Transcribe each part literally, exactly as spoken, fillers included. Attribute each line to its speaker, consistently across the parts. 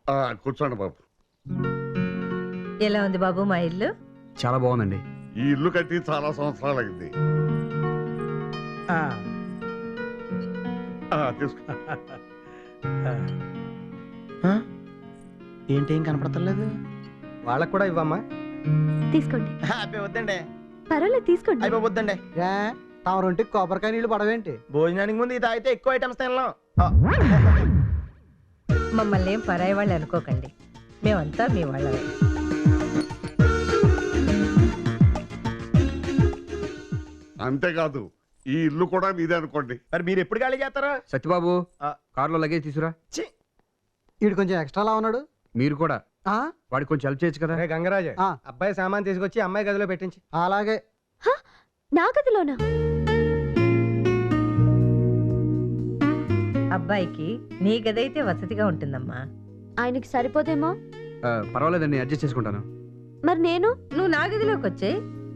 Speaker 1: కూర్చోండి బాబు.
Speaker 2: ఎలా ఉంది బాబు మా ఇల్లు?
Speaker 3: చాలా బాగుందండి.
Speaker 1: ఈ ఇల్లు కట్టి చాలా సంవత్సరాలు అయింది. తీసుకో.
Speaker 4: ఏంటి ఏం కనపడతలేదు?
Speaker 5: వాళ్ళకు కూడా ఇవ్వమ్మా.
Speaker 6: తీసుకోండి.
Speaker 4: అబ్బాయి వద్దండి.
Speaker 6: పర్వాలేదు తీసుకోండి.
Speaker 4: అయిపో వద్దండి.
Speaker 5: తమరుంటికి కొబ్బరికాయ నీళ్ళు పడవేంటి?
Speaker 4: భోజనానికి ముందు ఇది అయితే ఎక్కువ ఐటమ్స్ తినలేం.
Speaker 2: మమ్మల్ని ఏం పరాయి వాళ్ళు అనుకోకండి, మేమంతా మీ వాళ్ళమే.
Speaker 1: అంతేకాదు ఈ ఇల్లు కూడా మీదే అనుకోండి.
Speaker 4: మరి మీరు ఎప్పుడు ఖాళీ చేస్తారా?
Speaker 3: సత్యబాబు
Speaker 4: ఆ.
Speaker 3: కారులో లగేజ్ తీసుకురా.
Speaker 5: వీడు కొంచెం ఎక్స్ట్రాలా ఉన్నాడు.
Speaker 3: మీరు కూడా
Speaker 5: ఆ
Speaker 3: వాడికి కొంచెం హెల్ప్ చేయొచ్చు కదా.
Speaker 5: గంగరాజు,
Speaker 7: ఆ.
Speaker 5: అబ్బాయి సామాన్ తీసుకొచ్చి అమ్మాయి గదిలో పెట్టించి. అలాగే.
Speaker 6: నా గదిలోనా?
Speaker 2: అబ్బాయికి నీ గదైతే వసతిగా ఉంటుందమ్మా.
Speaker 6: ఆయనకి సరిపోదేమో.
Speaker 3: ఆ, పర్వాలేదండి, అడ్జస్ట్ చేసుకుంటాను.
Speaker 6: మరి నేను?
Speaker 2: నువ్వు నా గదిలోకి వచ్చే.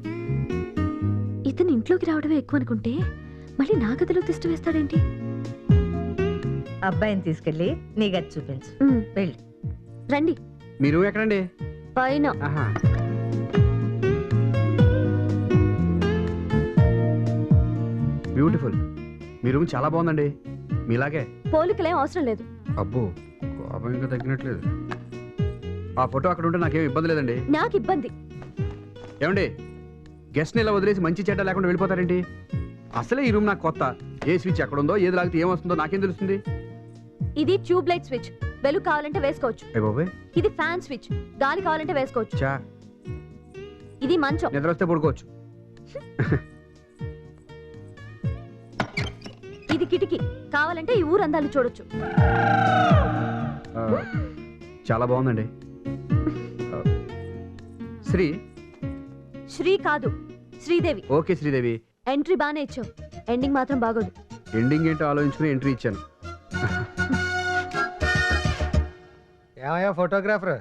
Speaker 6: ఇతను ఇంట్లోకి రావడమే ఎక్కువ అనుకుంటే మళ్ళీ నా గదిలో తిష్ట వేస్తాడేంటి?
Speaker 2: అబ్బాయిని తీసుకెళ్ళి నీ గది చూపించు.
Speaker 6: ఉమ్,
Speaker 2: వెళ్ళి.
Speaker 6: రండి.
Speaker 3: మీరు ఎక్కడండి?
Speaker 6: పైన.
Speaker 3: ఆహా. బ్యూటిఫుల్. మీ రూమ్ చాలా బాగుందండి, మీలాగే.
Speaker 6: పోలికలేం అవసరం లేదు.
Speaker 3: అబ్బో, కోపం ఇంకా తగ్గినట్లేదు. ఆ ఫోటో అక్కడ ఉంటే నాకేం ఇబ్బంది లేదండి.
Speaker 6: నాకు ఇబ్బంది.
Speaker 3: ఏమండి, గెస్ట్ని ఇలా వదిలేసి మంచి చెడ్డ లేకుండా వెళ్ళిపోతారేంటి? అసలే ఈ రూమ్ నాకు కొత్త. ఏ స్విచ్ ఎక్కడ ఉందో, ఏది లాగితే ఏమొస్తుందో నాకేం తెలుస్తుంది?
Speaker 6: ఇది ట్యూబ్ లైట్ స్విచ్, వెలుగు కావాలంటే వేసుకోవచ్చు.
Speaker 3: ఏ బాబోయ్.
Speaker 6: ఇది ఫ్యాన్ స్విచ్, గాలి కావాలంటే వేసుకోవచ్చు.
Speaker 3: చా,
Speaker 6: ఇది మంచం,
Speaker 3: నిద్ర వస్తే పడుకోవచ్చు.
Speaker 6: ఇది కిటికీ, కావాలంటే ఈ ఊరు అందాలు చూడొచ్చు.
Speaker 3: ఆ, చాలా బాగుందండి. ఆ, శ్రీ
Speaker 6: శ్రీ కాదు, శ్రీదేవి.
Speaker 3: ఓకే శ్రీదేవి.
Speaker 6: ఎంట్రీ బానే ఇచ్చావు, ఎండింగ్ మాత్రం బాగోదు.
Speaker 3: ఎండింగ్ ఏంటో ఆలోచించుకుని ఎంట్రీ ఇచ్చాను.
Speaker 5: ఏమయ్యా ఫోటోగ్రాఫర్,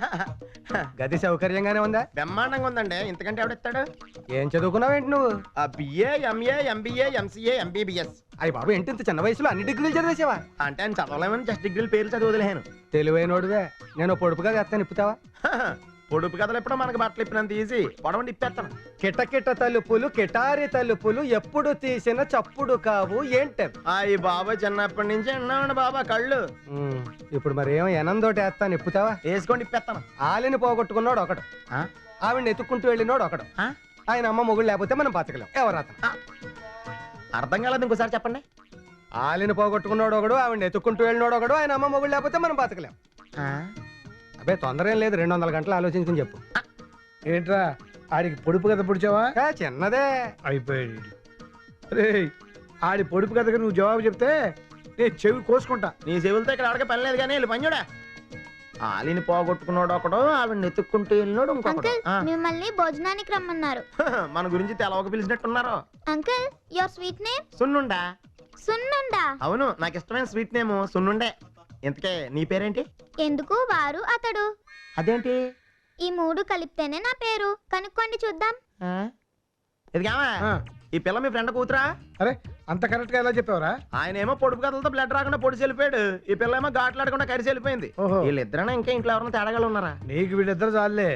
Speaker 5: గది సౌకర్యంగానే ఉందా?
Speaker 4: బ్రహ్మాండంగా ఉందండి. ఇంతకంటే ఎవడెత్తాడు?
Speaker 5: ఏం చదువుకున్నావేంటి నువ్వు?
Speaker 4: BA, MA, MBA, MCA, MBBS.
Speaker 5: అయ్యి బాబు, ఏంటి ఇంత చిన్న వయసులో అన్ని డిగ్రీలు చదివేసావా?
Speaker 4: అంటే ఆయన చదవలేమని జస్ట్ డిగ్రీలు పేర్లు చదివి వదిలేను.
Speaker 5: తెలివైనోడువే. నేను పొడుపుగా చేస్తాను, ఇప్పుతావా?
Speaker 4: పొడుపు కథలు ఎప్పుడో మనకు బట్టలు ఇప్పినంత ఈజీ. పొడవండి ఇప్పేస్తాను.
Speaker 5: కిటకిట తలుపులు, కిటారి తలుపులు ఎప్పుడు తీసిన చప్పుడు కావు ఏంటే?
Speaker 4: అయ్యి బాబా, చిన్నప్పటి నుంచి అన్నామండి బాబా కళ్ళు.
Speaker 5: ఉమ్, ఇప్పుడు మరి ఏమో ఎనందోటి వేస్తాను, ఇప్పుతావా?
Speaker 4: వేసుకోండి ఇప్పేస్తాను.
Speaker 5: ఆలిని పోగొట్టుకున్నాడు ఒకడు,
Speaker 4: ఆ?
Speaker 5: ఆవిడని ఎత్తుక్కుంటూ వెళ్ళినోడు ఒకడు.
Speaker 4: ఆ?
Speaker 5: ఆయన అమ్మ మొగుడు లేకపోతే మనం బతకలేం. ఎవరు అతను?
Speaker 4: అర్థం కాలేదు, ఇంకోసారి చెప్పండి.
Speaker 5: ఆలిని పోగొట్టుకున్నాడు ఒకడు, ఆవిడని ఎత్తుక్కుంటూ వెళ్ళినోడు ఒకడు, ఆయన అమ్మ మొగుడు లేకపోతే మనం బతకలేం. అబ్బే తొందర ఏం లేదు, రెండు వందల గంటలు ఆలోచించుకుని చెప్పు.
Speaker 7: ఏంట్రా ఆడికి పొడుపు కథ పుడిచావా?
Speaker 5: ఏ, చిన్నదే.
Speaker 7: అయిపోయాడు రే. ఆడి పొడుపు కథకు నువ్వు జవాబు చెప్తే నేను చెవి కోసుకుంటా.
Speaker 4: నీ చెవులతో ఇక్కడ ఆడక పని లేదు కానీ వెళ్ళి పని చూడా. ఆలిని పోగొట్టుకున్నాడు ఒకడు, ఆవిడని ఎత్తుక్కుంటూ వెళ్ళినాడు ఇంకొకడు. ఆ.
Speaker 8: మిమ్మల్ని భోజనానికి రమ్మన్నారు.
Speaker 4: మన గురించి తెలవక పిలిచినట్టున్నారు.
Speaker 8: Uncle, your sweet name?
Speaker 4: సున్నుండా.
Speaker 8: సున్నుండా?
Speaker 4: అవును, నాకు ఇష్టమైన స్వీట్ నేమ్ సున్నుండే. ఇంతకే నీ పేరేంటి?
Speaker 8: ఎందుకు వారు అతడు?
Speaker 4: అదేంటి?
Speaker 8: ఈ మూడు కలిపితేనే నా పేరు. కనుక్కోండి చూద్దాం.
Speaker 4: ఇదిగామా,
Speaker 7: ఆ.
Speaker 4: ఈ పిల్ల మీ ఫ్రెండ్ కూతురా?
Speaker 7: అరే అంత కరెక్ట్ గా ఎలా చెప్పావరా?
Speaker 4: ఆయన ఏమో పొడుపు కథలతో బ్లడ్ రాకుండా పొడిచి వెళ్ళిపోయాడు. ఈ పిల్ల ఏమో ఘాట్లాడకుండా కరిసి వెళ్ళిపోయింది.
Speaker 7: ఓహో.
Speaker 4: వీళ్ళిద్దరైనా ఇంకా ఇంట్లో ఎవరైనా తేడాగా ఉన్నారా?
Speaker 7: నీకు వీళ్ళిద్దరు చాలే.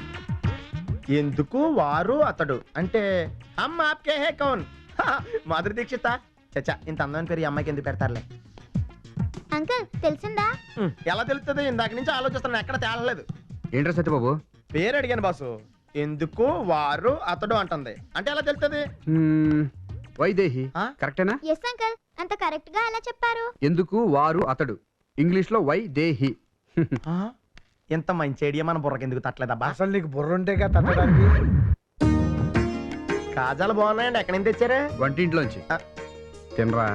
Speaker 4: ఎందుకు వారు అతడు అంటే అమ్మ ఆప్కే హే కౌన్? మాధురి దీక్షిత. చచ్చా, ఇంత అందమైన పేరు ఈ అమ్మాయికి ఎందుకు పెడతారులే.
Speaker 8: అంకుల్, తెలిసిందా?
Speaker 4: హ్మ్, ఎలా తెలుస్తుంది? ఇందాక నుంచి ఆలోచిస్తున్నాను, ఎక్కడ తేలలేదు.
Speaker 3: ఏంట్రా సత్యబాబు?
Speaker 4: పేరు అడిగాను బాసు. ఎందుకు వారు అతడు అంటుంది, అంటే ఎలా తెలుస్తుంది?
Speaker 3: మ్మ్, వైదేహి.
Speaker 4: ఆ?
Speaker 3: కరెక్టేనా?
Speaker 8: ఎస్ అంకుల్, అంత కరెక్ట్ గా ఎలా చెప్పారు?
Speaker 3: ఎందుకు వారు అతడు, ఇంగ్లీష్ లో వై దేహి.
Speaker 4: ఆ? ఇంత మంచి ఐడియా మన బుర్రకి ఎందుకు తట్టలేదబ్బా?
Speaker 7: అసలు నీకు బుర్ర ఉంటేగా తట్టడానికి.
Speaker 4: కాజాలు బాగున్నాయండి, ఎక్కడి నుంచి తెచ్చారు?
Speaker 3: వంటింట్లోంచి.
Speaker 4: ఆ.
Speaker 3: తినరా.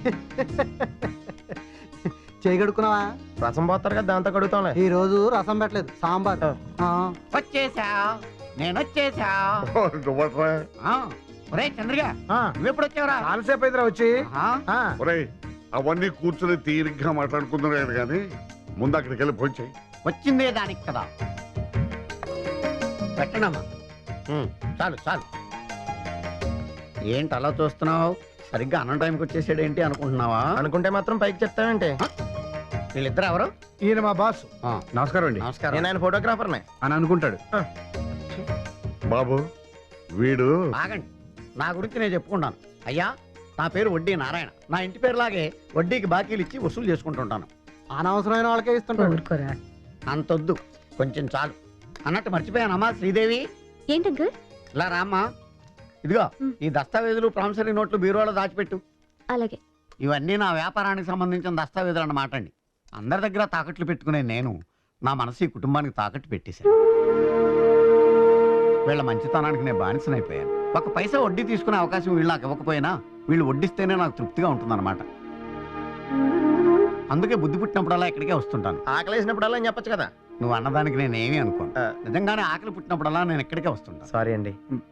Speaker 5: చేయగడుకున్నావా?
Speaker 4: రసం పోతారు కదా, దాంతో కడుగుతాంలే.
Speaker 5: ఈ రోజు రసం పెట్టలేదు, సాంబార్. ఆ.
Speaker 9: వచ్చేసా, నేను వచ్చేసా.
Speaker 1: నువ్వట్రా.
Speaker 9: ఒరే చంద్రగా, నువ్వు ఎప్పుడు వచ్చావురా?
Speaker 7: చాలాసేపు అయిందిరా వచ్చి. ఆ.
Speaker 1: ఒరేయ్, అవన్నీ కూర్చుని తీరిగ్గా మాట్లాడుకుంటున్నాడు కానీ ముందు అక్కడికి వెళ్ళి ఫోన్ చేయి.
Speaker 9: వచ్చిందే దానికి కదా. పెట్టనమ్మా.
Speaker 4: ఉమ్.
Speaker 9: చాలు చాలు. ఏంటి అలా చూస్తున్నావు? సరిగ్గా అన్న టైంకి వచ్చేసాడు ఏంటి అనుకుంటున్నావా?
Speaker 4: అనుకుంటే మాత్రం పైకి చెప్తావేంటి?
Speaker 9: వీళ్ళిద్దరు ఎవరు?
Speaker 7: ఈయన మా బాస్.
Speaker 3: ఆ, నమస్కారం అండి
Speaker 9: నమస్కారం.
Speaker 4: నేను ఆయన ఫోటోగ్రాఫర్నే.
Speaker 3: అని అనుకుంటాడు.
Speaker 1: బాబు వీడు
Speaker 9: ఆగండి, నా గురించి నేను చెప్పుకుంటాను. అయ్యా, నా పేరు వడ్డీ నారాయణ. నా ఇంటి పేరులాగే వడ్డీకి బాకీలు ఇచ్చి వసూలు చేసుకుంటుంటాను.
Speaker 5: అనవసరమైన వాళ్ళకే ఇస్తుంటాడు.
Speaker 2: ఊరుకోరా.
Speaker 9: అంతొద్దు, కొంచెం చాలు. అన్నట్టు మర్చిపోయానమ్మా శ్రీదేవి,
Speaker 6: ఏంటంకుల్?
Speaker 9: ఇలా రామ్మా. ఇదిగో
Speaker 6: మ్.
Speaker 9: ఈ దస్తావేజులు ప్రామిసరీ నోట్లు బీరువాలో దాచిపెట్టు.
Speaker 6: అలాగే.
Speaker 9: ఇవన్నీ నా వ్యాపారానికి సంబంధించిన దస్తావేజులు అన్నమాట అండి. అందరి దగ్గర తాకట్లు పెట్టుకునే నేను నా మనసు ఈ కుటుంబానికి తాకట్టు పెట్టేశాను. వీళ్ళ మంచితనానికి నేను బానిసనైపోయాను. ఒక పైసా వడ్డీ తీసుకునే అవకాశం వీళ్ళు నాకు ఇవ్వకపోయినా వీళ్ళు వడ్డిస్తేనే నాకు తృప్తిగా ఉంటుందన్నమాట. అందుకే బుద్ధి పుట్టినప్పుడల్లా ఇక్కడికే వస్తుంటాను.
Speaker 4: ఆకలేసినప్పుడల్లా అని చెప్పొచ్చు కదా.
Speaker 9: నువ్వు అన్నదానికి నేనేమీ అనుకోను.
Speaker 4: ఆ.
Speaker 9: నిజంగానే ఆకలి పుట్టినప్పుడల్లా నేను ఇక్కడికే వస్తుంటాను.
Speaker 4: సారీ అండి.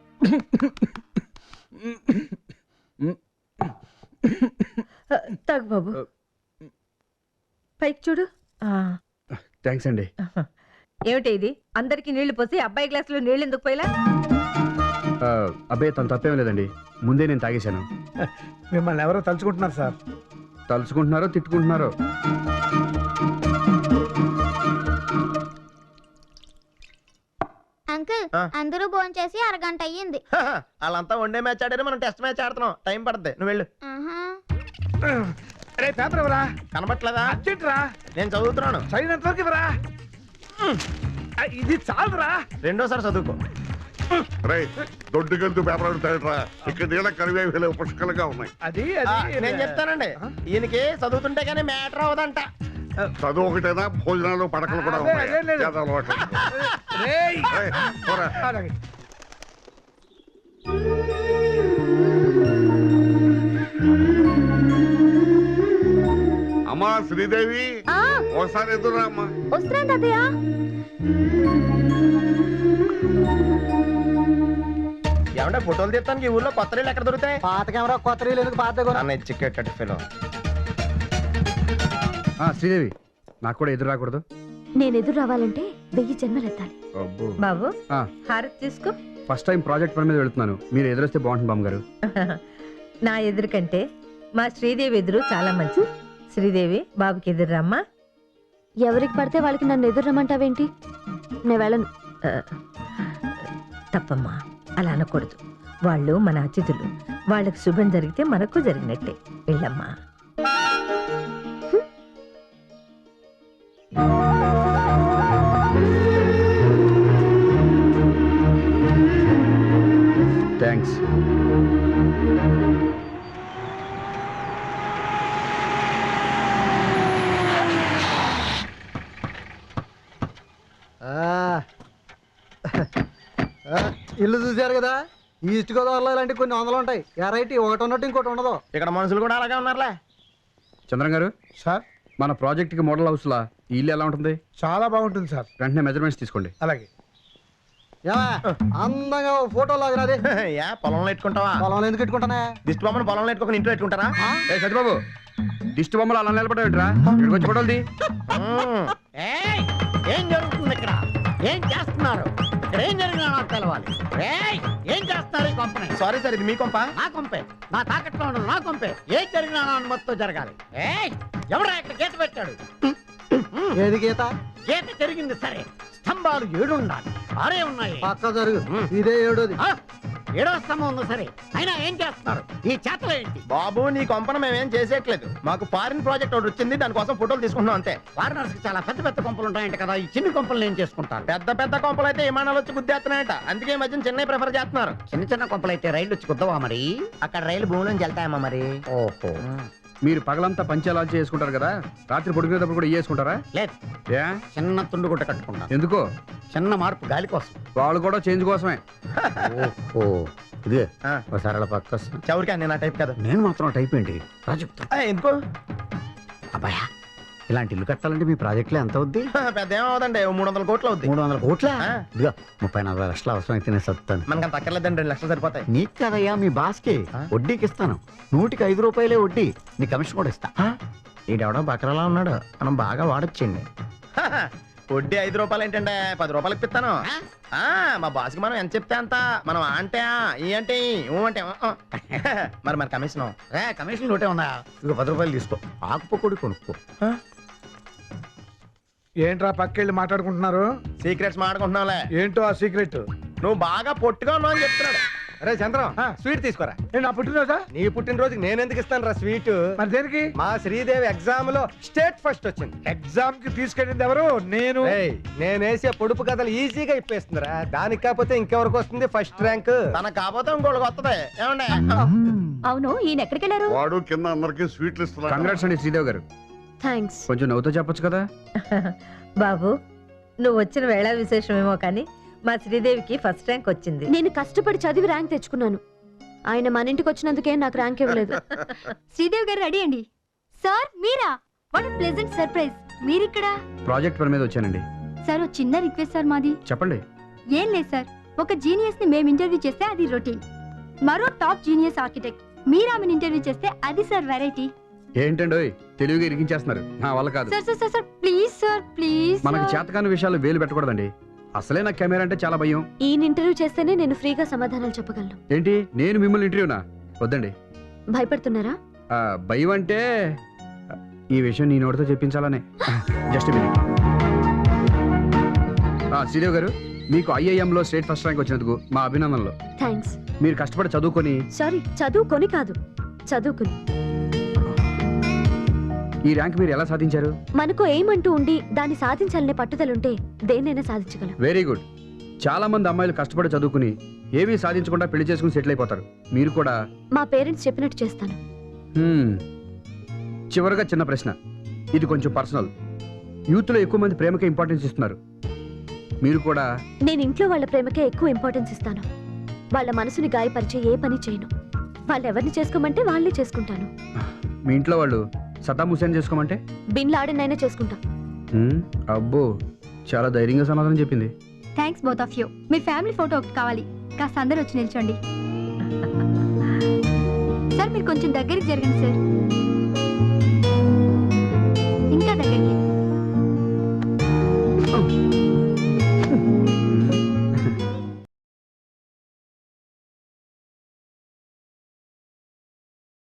Speaker 2: తగు బాబు, పైకి చూడు. ఆ,
Speaker 3: థ్యాంక్స్ అండి.
Speaker 2: ఏమిటి ఇది? అందరికి నీళ్లు పోసి అబ్బాయి గ్లాసులో నీళ్ళు ఎందుకు పోయిలా?
Speaker 3: ఆ, అబ్బే తను తప్పేం లేదండి, ముందే నేను తాగేశాను.
Speaker 7: మిమ్మల్ని ఎవరో తలుచుకుంటున్నారు సార్.
Speaker 3: తలుచుకుంటున్నారో తిట్టుకుంటున్నారో.
Speaker 8: అంకుల్,
Speaker 4: ఆ.
Speaker 8: అందరూ భోంచేసి అరగంట అయ్యింది.
Speaker 4: వాళ్ళంతా వన్డే మ్యాచ్ ఆడారు, మనం టెస్ట్ మ్యాచ్ ఆడుతున్నాం. టైం పడుతుంది, నువ్వు వెళ్ళు.
Speaker 8: ఆహా.
Speaker 7: రే పేపర్ ఇవ్వరా,
Speaker 4: కనబట్లేదా?
Speaker 7: అర్జెంట్ రా,
Speaker 4: నేను చదువుతున్నాను.
Speaker 7: చదివినంత వరకు ఇవ్వరా. ఆ, ఇది చాలురా.
Speaker 4: రెండోసారి చదువుకో.
Speaker 1: రే దొడ్డుకెళ్తూ పేపర్ అడుగుతాడరా. ఇక్కడ నీళ్ళ కరివేవి పుష్కలుగా ఉన్నాయి.
Speaker 7: అది
Speaker 4: ఆ,
Speaker 7: అది
Speaker 4: నేను చెప్తానండి. ఈయనకి చదువుతుంటే గానీ మ్యాటర్ అవ్వదంట.
Speaker 1: చదువు ఒకటేనా, భోజనాలు పడకలు కూడా
Speaker 7: అదే,
Speaker 1: ఉన్నాయి.
Speaker 7: అదే లేదు.
Speaker 1: చేత అలవాటు.
Speaker 7: రేయ్.
Speaker 1: రేయ్, పోరా.
Speaker 7: అలాగే.
Speaker 1: అమ్మా శ్రీదేవి,
Speaker 8: ఆ,
Speaker 1: ఒకసారి ఎదురా అమ్మా.
Speaker 8: వస్తున్నాను తాతయ్య.
Speaker 4: ఏమంటే ఫోటోలు తీస్తానికి ఈ ఊర్లో కొత్త రీళ్ళు ఎక్కడ దొరుకుతాయి?
Speaker 5: పాత కెమెరా కొత్త రీలు ఎందుకు పాత కొన?
Speaker 4: అన్న చిక్కెట్ ఫిలో.
Speaker 3: ఆ, శ్రీదేవి, నాకు కూడా ఎదురు రాకూడదు.
Speaker 6: నేను ఎదురు రావాలంటే వెయ్యి జన్మలెత్తాలి.
Speaker 3: అబ్బో.
Speaker 2: బాబు,
Speaker 3: ఆ.
Speaker 2: హారతి తీసుకో.
Speaker 3: ఫస్ట్ టైం ప్రాజెక్ట్ పని మీద వెళ్తున్నాను, మీరు ఎదురొస్తే బాగుంటుంది బామ్మగారు.
Speaker 2: నా ఎదురు కంటే మా శ్రీదేవి ఎదురు చాలా మంచిది. శ్రీదేవి, బాబుకి ఎదురు రమ్మా.
Speaker 6: ఎవరికి పడితే వాళ్ళకి నన్ను ఎదురు రమ్మంటావేంటి? నేను వెళ్ళను.
Speaker 2: ఆ, తప్పమ్మా, అలా అనకూడదు. వాళ్ళు మన అతిథులు. వాళ్ళకి శుభం జరిగితే మనకు జరిగినట్టే. వెళ్ళమ్మా.
Speaker 3: థ్యాంక్స్.
Speaker 5: ఇల్లు చూశారు కదా, ఈస్ట్ గోదావరిలో ఇలాంటి కొన్ని వందలు ఉంటాయి. ఎరైటీ ఒకటి ఉన్నట్టు ఇంకోటి ఉండదు.
Speaker 4: ఇక్కడ మనుషులు కూడా అలాగే ఉన్నారులే.
Speaker 3: చంద్రం గారు,
Speaker 7: సార్
Speaker 3: మన ప్రాజెక్ట్కి మోడల్ హౌస్లా ఈ ఇల్లు ఎలా ఉంటుంది?
Speaker 7: చాలా బాగుంటుంది సార్.
Speaker 3: వెంటనే మెజర్మెంట్స్ తీసుకోండి.
Speaker 7: అలాగే.
Speaker 5: ఏమా అందంగా ఫోటో లాగినది.
Speaker 4: యా పొలంలో పెట్టుకుంటావా?
Speaker 5: పొలంలో ఎందుకు పెట్టుకుంటానే?
Speaker 4: దిష్టి బొమ్మను పొలంలో పెట్టుకుని ఇంట్లో పెట్టుకుంటారా?
Speaker 3: ఏ సత్యబాబు, దిష్టి బొమ్మలు అలా నిలబడేట్రా, ఇక్కడికి వచ్చి ఫోటోలు తీ.
Speaker 4: మ్మ్.
Speaker 9: ఏయ్, ఏం జరుగుతుంది ఇక్కడ? ఏం చేస్తున్నారు ఇక్కడ? ఏం జరిగినా నాకు తెలవాలి. ఏయ్, ఏం చేస్తున్నారు ఈ కంపెనీ?
Speaker 4: సారీ సార్, ఇది మీ కొంప.
Speaker 9: నా కొంపే, నా తాకట్లో ఉన్నది నా కొంపే. ఏం జరిగినా నా అనుమతితో జరగాలి. ఏయ్, ఎవరా ఇక్కడ గీత పెట్టాడు?
Speaker 5: ఏది గీత?
Speaker 9: గీత జరిగింది సరే, స్తంభాలు ఏడు ఉండాలి, ఆరే ఉన్నాయి.
Speaker 5: పక్క జరుగు, ఇదే ఏడోది.
Speaker 9: ఆ, ఏడో స్తంభం ఉంది సరే, అయినా ఏం చేస్తున్నారు? ఈ చేతలు ఏంటి?
Speaker 4: బాబు, నీ కొంపన మేమేం చేసేయట్లేదు. మాకు ఫారిన్ ప్రాజెక్ట్ ఒకటి వచ్చింది, దానికోసం ఫోటోలు తీసుకుంటున్నాం అంతే.
Speaker 9: ఫారినర్స్ కి చాలా పెద్ద పెద్ద కొంపలు ఉంటాయంట కదా, ఈ చిన్న కొంపలు ఏం చేసుకుంటారు?
Speaker 4: పెద్ద పెద్ద కొంపలు అయితే విమానాలు వచ్చి గుద్దేస్తున్నాయట. అందుకే ఈ మధ్యన చెన్నై ప్రిఫర్ చేస్తున్నారు.
Speaker 9: చిన్న చిన్న కొంపలు అయితే రైలు వచ్చి కుద్దవా మరి?
Speaker 4: అక్కడ రైలు భూమిలోంచి వెళ్తాయమ్మా మరి.
Speaker 9: ఓహో,
Speaker 3: మీరు పగలంతా పంచాలాలు చేసుకుంటారు కదా, రాత్రి పడుకునేటప్పుడు కూడా వేసుకుంటారా?
Speaker 9: లేదు,
Speaker 3: ఏ
Speaker 9: చిన్న తుండు గుట్ట కట్టుకుంటాను.
Speaker 3: ఎందుకో?
Speaker 9: చిన్న మార్పు గాలి కోసం.
Speaker 3: వాళ్ళు కూడా చేంజ్ కోసమే.
Speaker 9: ఓహో, ఇదే
Speaker 4: ఆ.
Speaker 9: ఒకసారి అలా పక్క వస్తా.
Speaker 4: చౌరికా, నేను ఆ టైప్ కదా.
Speaker 9: నేను మాత్రం టైప్ ఏంటి రా చెప్తా.
Speaker 4: ఆ, ఎందుకు?
Speaker 9: అబ్బాయా, ఇలాంటి ఇల్లు కట్టాలంటే మీ ప్రాజెక్టులో ఎంత అవుద్ది?
Speaker 4: పెద్ద ఏమవుదండి, మూడు వందల కోట్లు అవుద్ది.
Speaker 9: మూడు వందల కోట్ల
Speaker 4: ఆ.
Speaker 9: ఇదిగో ముప్పై నలభై లక్షలు అవసరం అయితే నేను సత్తాను.
Speaker 4: మనకి అంత అక్కర్లేదండి, రెండు లక్షలు సరిపోతాయి.
Speaker 9: నీకు కదయ్యా, మీ బాస్కి
Speaker 4: ఆ?
Speaker 9: వడ్డీకి ఇస్తాను. నూటికి ఐదు రూపాయలే వడ్డీ, నీ కమిషన్ కూడా ఇస్తా.
Speaker 4: ఈడెవడో బకరలా ఉన్నాడు, మనం బాగా వాడొచ్చండి. వడ్డీ ఐదు రూపాయలు ఏంటంటే పది రూపాయలు ఇప్పిస్తాను.
Speaker 9: ఆ?
Speaker 4: ఆ, మా బాస్కి మనం ఎంత చెప్తే అంత. మనం ఆ అంటే ఆ, ఈ అంటే ఈ, ఊ అంటే ఊ, ఊ. మరి మన కమిషన్
Speaker 9: రే, కమిషన్ ఒకటే ఉందా? ఇదిగో పది రూపాయలు తీసుకో, ఆకుపొడి కొనుక్కో.
Speaker 7: ఏంట్రా పక్కెళ్ళి మాట్లాడుకుంటున్నారు?
Speaker 4: సీక్రెట్స్ మాడుకుంటున్నావులే.
Speaker 7: ఏంటో ఆ సీక్రెట్?
Speaker 4: నువ్వు బాగా పొట్టుగా ఉన్నావు అని చెప్తున్నాడు.
Speaker 5: అరే చంద్రం
Speaker 7: ఆ.
Speaker 5: స్వీట్ తీసుకోరా.
Speaker 7: నేను నా పుట్టినరోజా?
Speaker 5: నీ పుట్టినరోజుకి నేను ఎందుకు ఇస్తాను రా స్వీట్?
Speaker 7: మరి దేనికి?
Speaker 5: మా శ్రీదేవి ఎగ్జామ్ లో స్టేట్ ఫస్ట్ వచ్చింది.
Speaker 7: ఎగ్జామ్ కి తీసుకెళ్ళింది ఎవరు? నేను.
Speaker 5: ఏయ్, నేను వేసే పొడుపు కథలు ఈజీగా ఇప్పేస్తుందిరా. దానికి కాకపోతే ఇంకెవరికి వస్తుంది ఫస్ట్ ర్యాంక్?
Speaker 4: తనకు కాకపోతే ఇంకోటికి వస్తుంది. ఏమండి?
Speaker 6: అవును, ఈయన ఎక్కడికి వెళ్ళారు?
Speaker 1: వాడు కింద అందరికి స్వీట్లు ఇస్తున్నాడు.
Speaker 3: కంగ్రాట్స్ అండి శ్రీదేవి గారు.
Speaker 6: థ్యాంక్స్.
Speaker 3: కొంచెం నవ్వుతో చెప్పొచ్చు కదా.
Speaker 2: బాబు నువ్వు వచ్చిన వేళ విశేషమేమో కానీ మా శ్రీదేవికి ఫస్ట్ ర్యాంక్ వచ్చింది.
Speaker 6: నేను కష్టపడి చదివి ర్యాంక్ తెచ్చుకున్నాను. ఆయన మన ఇంటికి వచ్చినందుకే నాకు ర్యాంక్ ఇవ్వలేదు.
Speaker 8: శ్రీదేవి గారు రెడీ అండి. సార్ మీరా? What pleasant surprise. మీరిక్కడ?
Speaker 3: ప్రాజెక్ట్ పని మీద వచ్చానండి.
Speaker 8: సార్ ఓ చిన్న రిక్వెస్ట్ సార్ మాది.
Speaker 3: చెప్పండి.
Speaker 8: ఏం లేదు సార్, ఒక జీనియస్ ని మేము ఇంటర్వ్యూ చేస్తే అది రొటీన్. మరో టాప్ జీనియస్ ఆర్కిటెక్ట్ మీరామని ఇంటర్వ్యూ చేస్తే అది సార్ వెరైటీ.
Speaker 3: ఏంటండి తెలివిగా ఇరికించేస్తున్నారు. నా వల్ల కాదు.
Speaker 8: Sir sir sir sir please sir please.
Speaker 3: మనకి చేతకాని విషయాలు వేలు పెట్టకూడదండి. అసలే నాకు కెమెరా అంటే చాలా భయం.
Speaker 6: ఈయన ఇంటర్వ్యూ చేస్తేనే నేను ఫ్రీగా సమాధానాలు చెప్పగలను.
Speaker 3: ఏంటి నేను మిమ్మల్ని ఇంటర్వ్యూనా? వద్దండి.
Speaker 6: భయపడుతున్నారా?
Speaker 3: ఆ, భయం అంటే ఈ విషయం నీ నోటితో చెప్పించాలనే. Just minute. శ్రీదేవి గారు, మీకు ఐఐఎంలో స్టేట్ ఫస్ట్ ర్యాంక్ వచ్చినందుకు మా అభినందనలు.
Speaker 6: థ్యాంక్స్.
Speaker 3: మీరు కష్టపడి చదువుకొని
Speaker 6: సారీ, చదువుకొని కాదు, చదువుకుని.
Speaker 3: ఈ ర్యాంక్ మీరు ఎలా సాధించారు?
Speaker 6: మనకు ఏమంటూ ఉండి దాన్ని సాధించాలనే పట్టుదలుంటే దేన్నైనా సాధించగలం.
Speaker 3: Very good. చాలా మంది అమ్మాయిలు కష్టపడి చదువుకుని ఏమీ సాధించకుండా పెళ్లి చేసుకుని సెటిల్ అయిపోతారు. మీరు కూడా.
Speaker 6: మా పేరెంట్స్ చెప్పినట్టు చేస్తాను.
Speaker 3: హ్మ్. చివరగా చిన్న ప్రశ్న, ఇది కొంచెం పర్సనల్. యూత్లో ఎక్కువ మంది ప్రేమకే ఇంపార్టెన్స్ ఇస్తున్నారు. మీరు కూడా.
Speaker 6: నేను ఇంట్లో వాళ్ళ ప్రేమకే ఎక్కువ ఇంపార్టెన్స్ ఇస్తాను. వాళ్ళ మనసుని గాయపరిచే ఏ పని చేయను. వాళ్ళు ఎవరిని చేసుకోమంటే వాళ్ళే చేసుకుంటాను.
Speaker 3: మీ ఇంట్లో వాళ్ళు సద్దాం హుసేన్ చేసుకోమంటే?
Speaker 6: బిన్ లాడెన్ అయినా చేసుకుంటా.
Speaker 3: హ్మ్. అబ్బో, చాలా ధైర్యంగా సమాధానం చెప్పింది.
Speaker 8: Thanks both of you. మీ ఫ్యామిలీ ఫోటో ఒకటి కావాలి. కాస్త అందరూ వచ్చి నిల్చోండి. సార్ మీరు కొంచెం దగ్గరికి జరగండి సార్.